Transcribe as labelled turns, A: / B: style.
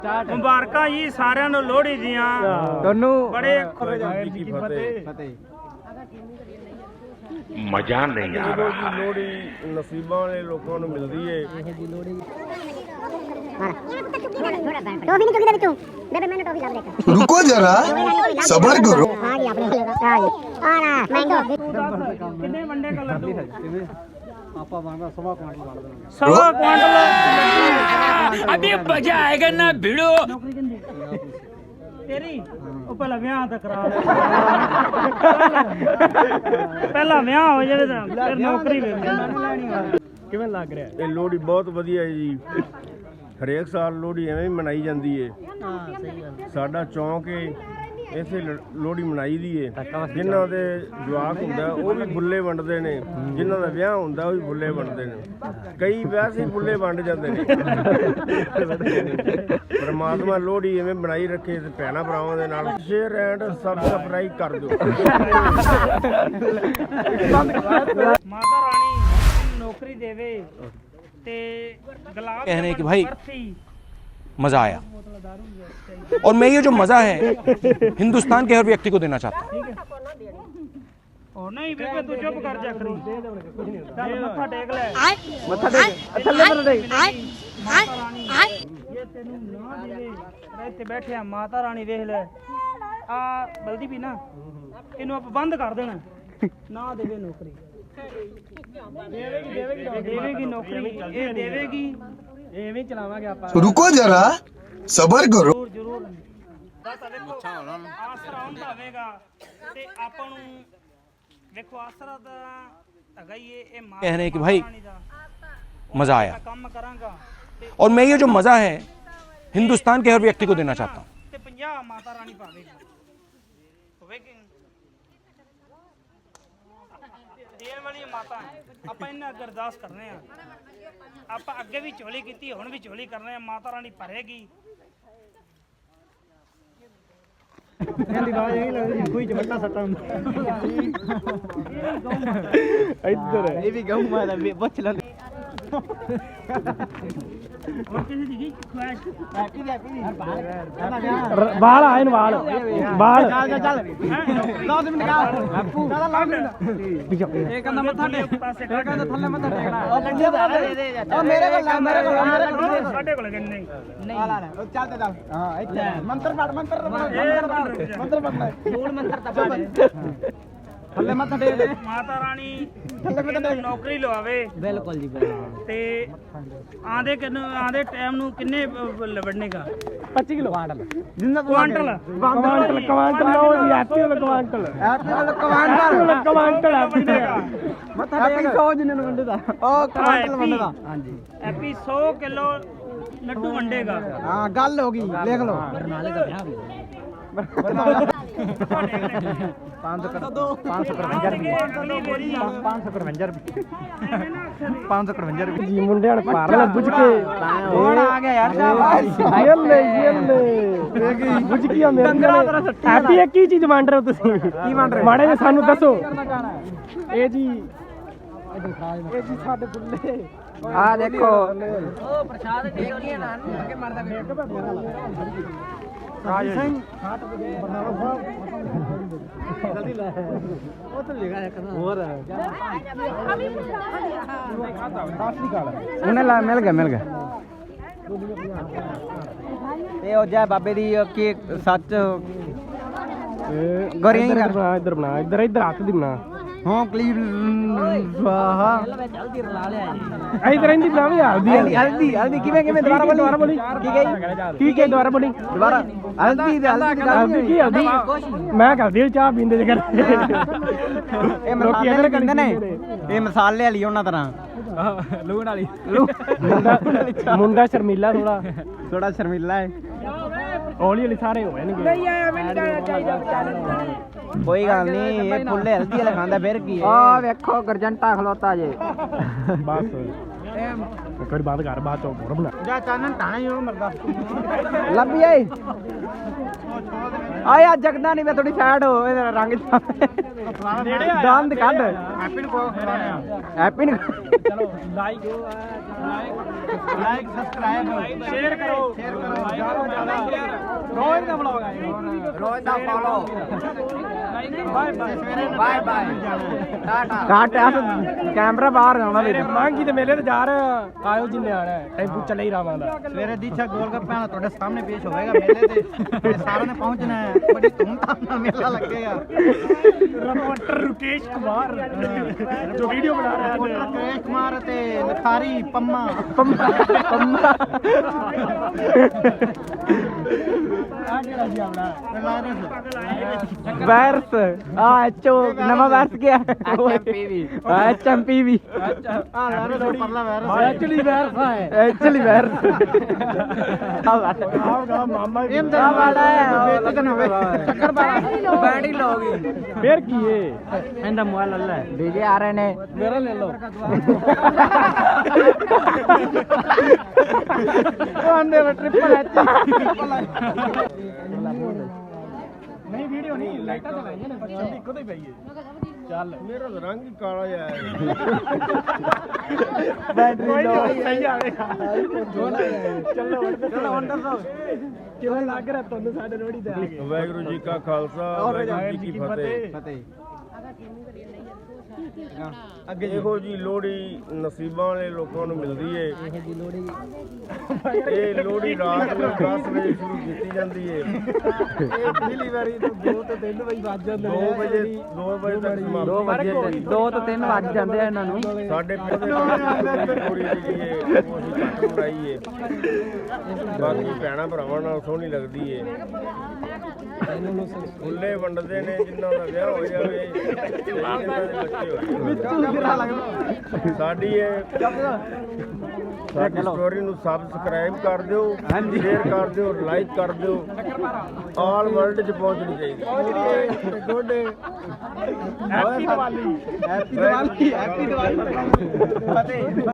A: ਮੁਬਾਰਕਾਂ ਜੀ ਸਾਰਿਆਂ ਨੂੰ ਲੋਹੜੀ ਦੀਆਂ
B: ਤੁਹਾਨੂੰ
A: ਬੜੇ
C: ਮਜ਼ਾ ਨਹੀਂ ਆ ਰਿਹਾ।
D: ਲੋਹੜੀ ਨਸੀਬਾਂ ਵਾਲੇ ਲੋਕਾਂ ਨੂੰ ਮਿਲਦੀ ਏ।
E: रुको जरा सबर करो।
A: ਕਿੰਨੇ ਵੰਡੇ ਕਲਰ ਦੋ
B: ਆਪਾਂ ਬਣਦਾ ਸਵਾ ਕੁਆਂਟਲ ਬਣ ਦੇਣਾ।
A: ਸਵਾ ਕੁਆਂਟਲ
C: अभी मजा आएगा ना भिड़ो।
A: ਤੇਰੀ ਉਹ ਪਹਿਲਾਂ ਵਿਆਹ ਤਾਂ ਕਰਾ ਲੈ ਪਹਿਲਾਂ ਵਿਆਹ ਹੋ ਜਾਵੇ ਤਾਂ ਫਿਰ ਨੌਕਰੀ ਵੇਖ
B: ਕਿਵੇਂ ਲੱਗ ਰਿਹਾ?
D: ਇਹ ਲੋਹੜੀ ਬਹੁਤ ਵਧੀਆ ਹੈ ਜੀ। ਹਰੇਕ ਸਾਲ ਲੋਹੜੀ ਐਵੇਂ ਹੀ ਮਨਾਈ ਜਾਂਦੀ ਏ। ਸਾਡਾ ਚੌਂਕ ਏ, ਇੱਥੇ ਲੋਹੜੀ ਮਨਾਈ ਦੀ ਏ। ਜਿਨ੍ਹਾਂ ਦੇ ਜਵਾਕ ਹੁੰਦਾ ਉਹ ਵੀ ਬੁੱਲੇ ਵੰਡਦੇ ਨੇ, ਜਿਨ੍ਹਾਂ ਦਾ ਵਿਆਹ ਹੁੰਦਾ ਉਹ ਵੀ ਬੁੱਲੇ ਵੰਡਦੇ ਨੇ। ਕਈ ਵੈਸੇ ਹੀ ਬੁੱਲੇ ਵੰਡ ਜਾਂਦੇ ਨੇ। ਪਰਮਾਤਮਾ ਲੋਹੜੀ ਐਵੇਂ ਬਣਾਈ ਰੱਖੇ ਤੇ ਭੈਣਾਂ ਭਰਾਵਾਂ ਦੇ ਨਾਲ ਸ਼ੇਅਰ ਐਂਡ ਸਬਸਕ੍ਰਾਈਬ ਕਰ ਦਿਓ।
A: ਮਾਤਾ ਰਾਣੀ ਨੌਕਰੀ ਦੇਵੇ ਤੇ ਗੁਲਾਬ
F: कहने कि भाई मज़ा आया और मैं ये जो मज़ा है हिंदुस्तान के हर व्यक्ति को देना चाहता हूँ।
A: ਉਹ ਨਹੀਂ ਬੇਬੇ ਤੂੰ ਚੁੱਪ ਕਰ ਜਾ ਕਰੀ ਚੱਲ ਮੱਥਾ ਟੇਕ ਲੈ
B: ਮੱਥਾ ਟੇਕ ਥੱਲੇ ਮੱਥਾ ਟੇਕ।
A: ਮਾਤਾ ਰਾਣੀ ਇਹ ਤੈਨੂੰ ਨਾ ਦੇਵੇ ਇੱਥੇ ਬੈਠੇ ਆ ਮਾਤਾ ਰਾਣੀ ਵੇਖ ਲੈ ਆ ਬਲਦੀ ਵੀ ਨਾ ਇਹਨੂੰ ਆਪਾਂ ਬੰਦ ਕਰ ਦੇਣਾ ਨਾ ਦੇਵੇ ਨੌਕਰੀ ਦੇਵੇਗੀ ਨੌਕਰੀ ਇਹ ਦੇਵੇਗੀ
B: ਐਵੇਂ ਚਲਾਵਾਂਗੇ ਆਪਾਂ।
E: रुको जरा सबर करो।
A: ਜ਼ਰੂਰ ਜ਼ਰੂਰ ਬਸ ਵੇਖੋ ਆਸਰਾ ਹੁੰਦਾ ਹੋਵੇਗਾ ਤੇ ਆਪਾਂ ਨੂੰ ਵੇਖੋ ਆਸਰਾ ਦਾ ਹੈਗਾ ਹੀ ਇਹ ਮਾਤਾ
F: कहने कि भाई
A: ਰਾਣੀ ਦਾ
F: मज़ा आया
A: ਕੰਮ ਕਰਾਂਗਾ ਤੇ
F: और मैं ये जो मज़ा है हिंदुस्तान के हर व्यक्ति को देना चाहता हूँ।
A: ਤੇ 50 ਮਾਤਾ ਰਾਣੀ ਪਾਵੇਗੀ ਹੋਵੇਗੀ ਦੇਣ ਵਾਲੀ ਮਾਤਾ ਆਪਾਂ ਇਹਨਾਂ ਅੱਗੇ ਅਰਦਾਸ ਕਰਨੇ ਆ ਆਪਾਂ ਅੱਗੇ ਵੀ ਝੋਲੀ ਕੀਤੀ ਹੁਣ ਵੀ ਝੋਲੀ ਕਰਨੇ ਆ ਮਾਤਾ ਰਾਣੀ ਭਰੇਗੀ
B: ਇਹਦੀ ਆਵਾਜ਼ ਇਹ ਲੱਗਦੀ ਕੋਈ ਚਵੱਟਾ ਸੱਟਾ ਹੁੰਦਾ। ਇੱਧਰ ਇਹ ਵੀ ਗਊ ਮਾਤਾ ਪੁੱਛ ਲੈਂਦੇ।
A: ਹੋਰ ਕਿਸੇ ਦੀ ਕੀ ਖੁਆਇਸ਼
B: ਬਾਲ ਆਏ ਨੂੰ ਬਾਲ ਬਾਲ ਚੱਲ ਚੱਲ 10 ਮਿੰਟ ਕਾ ਬਾਪੂ ਇਹ ਕਹਿੰਦਾ ਮੱਥਾ ਟੇਕ
A: ਪਾਸੇ
B: ਇਹ ਕਹਿੰਦਾ ਥੱਲੇ ਮੱਥਾ ਟੇਕਣਾ। ਉਹ ਲੰਡੇ ਦਾ ਦੇ ਦੇ ਉਹ ਮੇਰੇ ਕੋਲ ਮੇਰੇ ਕੋਲ
A: ਸਾਡੇ ਕੋਲ ਕਿੰਨੇ ਨਹੀਂ
B: ਆ ਲੈ ਉਹ ਚੱਲ ਤੇ ਚੱਲ ਹਾਂ ਇੱਥੇ ਮੰਤਰ ਪੜ ਮੰਤਰ ਪੜਨਾ ਮੂਲ ਮੰਤਰ ਤਾਂ ਪੜ ਥੱਲੇ ਮੱਥਾ ਟੇਕ ਦੇ।
A: ਮਾਤਾ ਰਾਣੀ ਇਹਨੂੰ ਨੌਕਰੀ ਲਵਾਵੇ
B: ਬਿਲਕੁਲ ਜੀ
A: ਤੇ ਆਂਦੇ ਟਾਈਮ ਨੂੰ ਕਿੰਨੇ ਵੜਨੇਗਾ
B: 25 ਕਿਲੋ ਕੁਆਂਟਲ ਜਿੰਨਾ
A: ਕੁਆਂਟਲ
B: ਕੁਆਂਟਲ ਲਓ ਜੀ ਐਪੀ ਵਾਲਾ ਕੁਆਂਟਲ ਕੁਆਂਟਲ ਮੱਥਾ ਟੇਕ 100 ਜਿੰਨੇ ਨੂੰ ਵੰਡੇ ਦਾ ਉਹ ਕੁਆਂਟਲ ਵੰਡੇ ਦਾ ਹਾਂਜੀ
A: ਐਪੀ 100 ਕਿਲੋ ਲੱਡੂ ਵੰਡੇਗਾ
B: ਹਾਂ ਗੱਲ ਹੋ ਗਈ ਲਿਖ ਲਓ ਬਰਨਾਲੇ ਦਾ ਵਿਆਹ ਵੀ 555 ਰੁਪਏ ਜੀ ਮੁੰਡਿਆਂ ਨੇ ਭਾਰ ਲੈ ਬੁੱਝ ਕੇ ਹੁਣ ਆ ਗਿਆ ਯਾਰ ਸ਼ਾਬਾਸ਼ ਯੱਲੇ ਬੁੱਝ ਕੀ ਹੁੰਦੇ ਹੈਪੀ ਇੱਕ ਹੀ ਚੀਜ਼ ਵੰਡ ਰਹੇ ਹੋ ਤੁਸੀਂ ਕੀ ਵੰਡ ਰਹੇ ਮਾੜੇ ਜੀ ਸਾਨੂੰ ਦੱਸੋ ਇਹ ਜੀ ਸਾਡੇ ਬੁੱਲੇ ਆ ਦੇਖੋ ਉਹ ਪ੍ਰਸ਼ਾਦ ਟੇਕੀਆਂ ਨਾਲ ਅੱਗੇ ਮਰਦਾ ਰਾਜ ਸਿੰਘ ਬਰਨਾਲਾ ਸਾਹਿਬ ਜਲਦੀ ਲੈ ਉਹ ਤਾਂ ਲਿਖਾ ਇੱਕ ਨਾ ਹੋਰ ਉਹਨੇ ਲਾ ਮਿਲ ਗਿਆ ਇਹ ਹੋ ਜਾ ਬਾਬੇ ਦੀ ਕੀ ਸੱਚ ਗੋਰੀਆਂ ਕਰਨਾ ਇੱਧਰ ਬਣਾ ਇੱਧਰ ਹੱਥ ਦੀ ਬਣਾ ਹਾਂ ਕਲੀਪ ਵਾਹਾ ਜਲਦੀ ਰਲਾ ਲਿਆ ਜੀ ਇੱਧਰ ਇੰਦੀ ਬਣਾਵੀ ਹਲਦੀ ਕਿਵੇਂ ਦੁਬਾਰਾ ਬੋਲੀ ਕੀ ਕਹੀ ਦੁਬਾਰਾ ਬੋਲੀ ਦੁਬਾਰਾ ਹਲਦੀ ਕੀ ਹਲਦੀ ਮੈਂ ਕਰਦੀ ਚਾਹ ਪੀਂਦੇ ਜੇ ਕਰ ਇਹ ਮਸਾਲੇ ਕਹਿੰਦੇ ਨੇ ਇਹ ਮਸਾਲੇ ਵਾਲੀ ਉਹਨਾਂ ਤਰ੍ਹਾਂ ਲੂਣ ਵਾਲੀ ਮੁੰਡਾ ਸ਼ਰਮੀਲਾ ਥੋੜਾ ਸ਼ਰਮੀਲਾ ਹੈ ਹੌਲੀ ਹੌਲੀ ਸਾਰੇ ਹੋ ਜਾਣਗੇ ਨਹੀਂ ਆਇਆ ਮੈਨੂੰ ਚਾਹੀਦਾ ਕੋਈ ਗੱਲ ਨਹੀਂ ਇਹ ਫੁੱਲੇ ਹਲਦੀ ਵਾਲਾ ਖਾਂਦਾ ਫਿਰ ਕੀ ਆ ਵੇਖੋ ਗਰਜੰਟਾ ਖਲੋਤਾ ਜੇ ਬਸ ਇੱਕ ਵਾਰੀ ਬਾਤ ਕਰ ਬਾਤ ਹੋਰ ਬਣਾ ਜਾ ਚਾਨਣ ਟਾਣਾ ਹੀ ਮਰਦਾ ਲੱਭੀ ਆਈ ਆਏ ਆ ਜਗਦਾ ਨਹੀਂ ਮੈਂ ਥੋੜੀ ਸਾਈਡ ਹੋ ਇਹਦਾ ਰੰਗ ਦੰਦ ਕੱਢ
A: ਹੈਪੀ ਨੂੰ ਖਵਾਉਣੇ ਆ
B: ਹੈਪੀ ਨੂੰ
A: ਚਲੋ ਲਾਈਕ ਸਬਸਕ੍ਰਾਈਬ ਸ਼ੇਅਰ ਕਰੋ ਰੋਜ਼ ਦਾ ਵਲੌਗ ਆ
B: ਰੋਜ਼ ਦਾ follow
A: bye bye
B: tata cut camera ਬਾਹਰ ਆਉਣਾ ਵੀਰੇ
A: ਮਾਂਗੀ ਤੇ ਮੇਲੇ ਤੇ ਜਾ ਰਹੇ ਆਇਓ ਜਿੰਨੇ ਆਣਾ ਟੈਂਪੂ ਚੱਲੇ ਹੀ ਰਾਵਾਂਦਾ
G: ਸਵੇਰੇ ਦੀਛਾ ਗੋਲਗੱਪਿਆਂ ਦਾ ਤੁਹਾਡੇ ਸਾਹਮਣੇ ਪੇਸ਼ ਹੋਵੇਗਾ ਮੇਲੇ ਤੇ ਸਾਰਿਆਂ ਨੇ ਪਹੁੰਚਣਾ ਹੈ ਬੜੀ ਧੂਮਧਾਮ ਨਾਲ ਮੇਲਾ ਲੱਗੇਗਾ
A: ਰਿਪੋਰਟਰ ਰੁਕੇਸ਼ ਕੁਮਾਰ ਜੋ ਵੀਡੀਓ ਬਣਾ ਰਿਹਾ ਹੈ
G: ਰਕੇਸ਼ ਕੁਮਾਰ ਤੇ ਲਖਾਰੀ ਪੰਮਾ
B: ਪੰਮਾ
A: ਆ ਕਿਹੜਾ ਜੀ ਆਪਣਾ
B: ਵਾਇਰਸ ਆ ਐਚਓ ਨਵਾਂ ਵਾਇਰਸ ਗਿਆ ਐਚਐਮਪੀ ਵੀ
G: ਆ ਲਾਰੇ ਪਰਲਾ ਵਾਇਰਸ
A: ਐਕਚੁਅਲੀ ਵਾਇਰਸ ਹੈ
B: ਐਕਚੁਅਲੀ ਵਾਇਰਸ
A: ਆਉਗਾ ਮਾਮਾ
G: ਇਹ ਤਾਂ ਵਾਲਾ ਹੈ ਬੇਇੱਜ਼ਤ ਨਾ ਹੋਵੇ
B: ਚੱਕਰ ਬੈਟਰੀ ਲੋ ਗਈ
A: ਫੇਰ ਕੀ ਏ
B: ਇਹਦਾ ਮੋਬਾਈਲ ਲੈ ਲੈ ਡੀਜੇ ਆ ਰਹੇ ਨੇ
A: ਮੇਰਾ ਲੈ ਲਓ
B: ਉਹਨੇ ਟ੍ਰਿਪਲ ਐਚ
A: ਨਹੀਂ ਵੀਡੀਓ ਨਹੀਂ ਲਾਈਟਾਂ ਚਲਾਈਆਂ ਨੇ ਬੱਚਾ ਇੱਕੋ ਤੇ ਪਈਏ ਚੱਲ
D: ਮੇਰਾ ਤਾਂ ਰੰਗ ਹੀ ਕਾਲਾ ਜਿਹਾ ਹੈ
A: ਬੈਟਰੀ ਲੋ ਸਹੀ ਆਵੇਗਾ ਚਲੋ ਵੰਡਰ ਕਿਵੇਂ ਲੱਗ ਰਿਹਾ ਤੁਹਾਨੂੰ ਸਾਡੇ ਲੋਹੜੀ ਤੇ ਆ ਕੇ
D: ਵਾਹਿਗੁਰੂ ਜੀ ਕਾ ਖਾਲਸਾ ਵਾਹਿਗੁਰੂ ਜੀ ਕੀ ਫਤਿਹ ਅੱਗੇ ਇਹੋ ਜੀ ਲੋਹੜੀ ਨਸੀਬਾਂ ਵਾਲੇ ਲੋਕਾਂ ਨੂੰ ਮਿਲਦੀ ਏ ਇਹ ਲੋਹੜੀ ਰਾਤ ਨੂੰ 10 ਵਜੇ ਸ਼ੁਰੂ ਕੀਤੀ ਜਾਂਦੀ ਏ
A: ਇਹ ਪਹਿਲੀ ਵਾਰੀ ਤੋਂ 2 ਤੋਂ 3 ਵਜੇ ਵੱਜ ਜਾਂਦੇ
D: 2 ਵਜੇ ਤੱਕ ਸਮਾਪਤੀ
B: 2 ਤੋਂ 3 ਵੱਜ ਜਾਂਦੇ ਆ ਇਹਨਾਂ ਨੂੰ
D: ਸਾਡੇ ਪਿੰਡ ਦੇ ਲੋਹੜੀ ਜਿਹੜੀ ਏ ਉਹ ਅਸੀਂ ਘੱਟ ਮਨਾਈ ਏ ਬਾਕੀ ਭੈਣਾਂ ਭਰਾਵਾਂ ਨਾਲ ਸੋਹਣੀ ਲੱਗਦੀ ਏ ਫੁੱਲੇ ਵੰਡਦੇ ਨੇ ਜਿਨ੍ਹਾਂ ਦਾ ਵਿਆਹ ਹੋ ਜਾਵੇ ਜਿਨ੍ਹਾਂ ਦੇ ਬੱਚੇ ਸਾਡੀ ਸਟੋਰੀ ਨੂੰ ਸਬਸਕ੍ਰਾਈਬ ਕਰ ਦਿਓ ਸ਼ੇਅਰ ਕਰ ਦਿਓ ਲਾਈਕ ਕਰ ਦਿਓ ਆਲ ਵਰਲਡ 'ਚ ਪਹੁੰਚਣੀ ਚਾਹੀਦੀ
A: good happy Diwali
G: happy Diwali ਫਤਿਹ